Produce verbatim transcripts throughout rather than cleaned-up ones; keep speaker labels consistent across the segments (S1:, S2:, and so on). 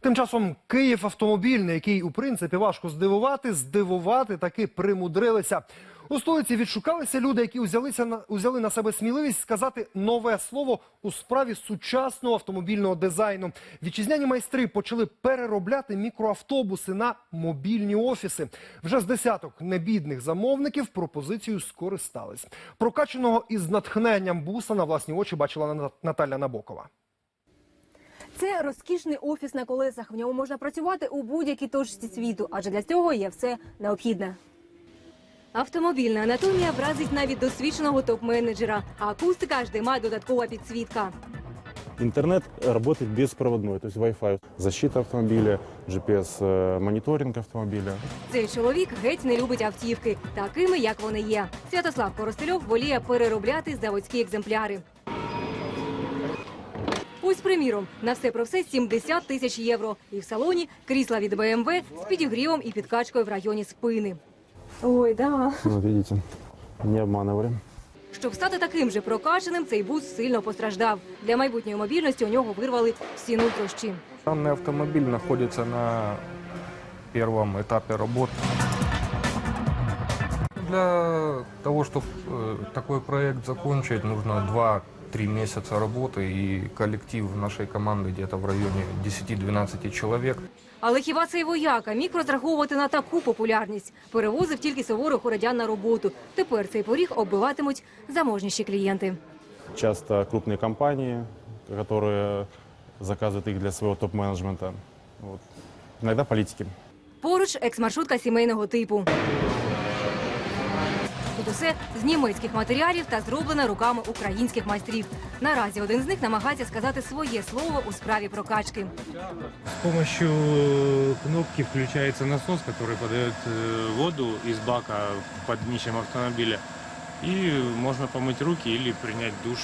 S1: Тим часом Київ автомобільний, який у принципі важко здивувати, здивувати таки примудрилися. У столиці відшукалися люди, які узялися на, узяли на себе сміливість сказати нове слово у справі сучасного автомобільного дизайну. Вітчизняні майстри почали переробляти мікроавтобуси на мобільні офіси. Вже з десяток небідних замовників пропозицією скористались. Прокачаного із натхненням буса на власні очі бачила Наталя Набокова.
S2: Це розкішний офіс на колесах. В ньому можна працювати у будь-якій точці світу, адже для цього є все необхідне. Автомобільна анатомія вразить навіть досвідченого топ-менеджера, а акустика аж де має додаткова підсвітка.
S3: Интернет работает беспроводной, то есть Wi-Fi, защита автомобиля, джі пі ес-мониторинг автомобиля.
S2: Цей чоловік геть не любить автівки, такими, як вони є. Святослав Коростельов воліє переробляти заводські екземпляри. Ось, приміром, на все про все сімдесят тисяч євро. І в салоні крісла від Бе Ем Ве з підігрівом і підкачкою в районі спини. Ой, да.
S3: Вот видите, не обманывали.
S2: Щоб стати таким же прокачаним, цей бус сильно постраждав. Для майбутньої мобільності у нього вирвали всі нутрощі.
S4: Данный автомобиль находится на первом этапе работ. Для того, чтобы такой проект закончить, нужно два-три месяца работы, и коллектив нашей команды где-то в районе десяти-двенадцати человек.
S2: Але хіба цей вояка міг розраховувати на таку популярність? Перевозив тільки суворих городян на роботу. Тепер цей поріг оббиватимуть заможніші клієнти.
S3: Часто крупные компании, которые заказывают их для своего топ-менеджмента. Вот. Иногда политики.
S2: Поруч екс-маршрутка сімейного типу. Тут усе з німецьких матеріалів та зроблено руками українських майстрів. Наразі один з них намагається сказати своє слово у справі прокачки.
S5: С помощью кнопки включается насос, который подает воду из бака под днищем автомобиля. И можно помыть руки или принять душ.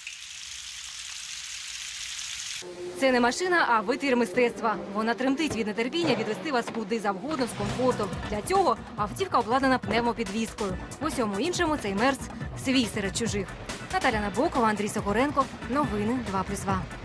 S2: Це не машина, а витвір мистецтва. Вона тремтить від нетерпіння відвести вас куди завгодно з комфортом. Для цього автівка обладнана пневмопідвіскою. В усьому іншому цей мерс свій серед чужих. Наталя Набокова, Андрій Сокоренко. Новини два плюс два.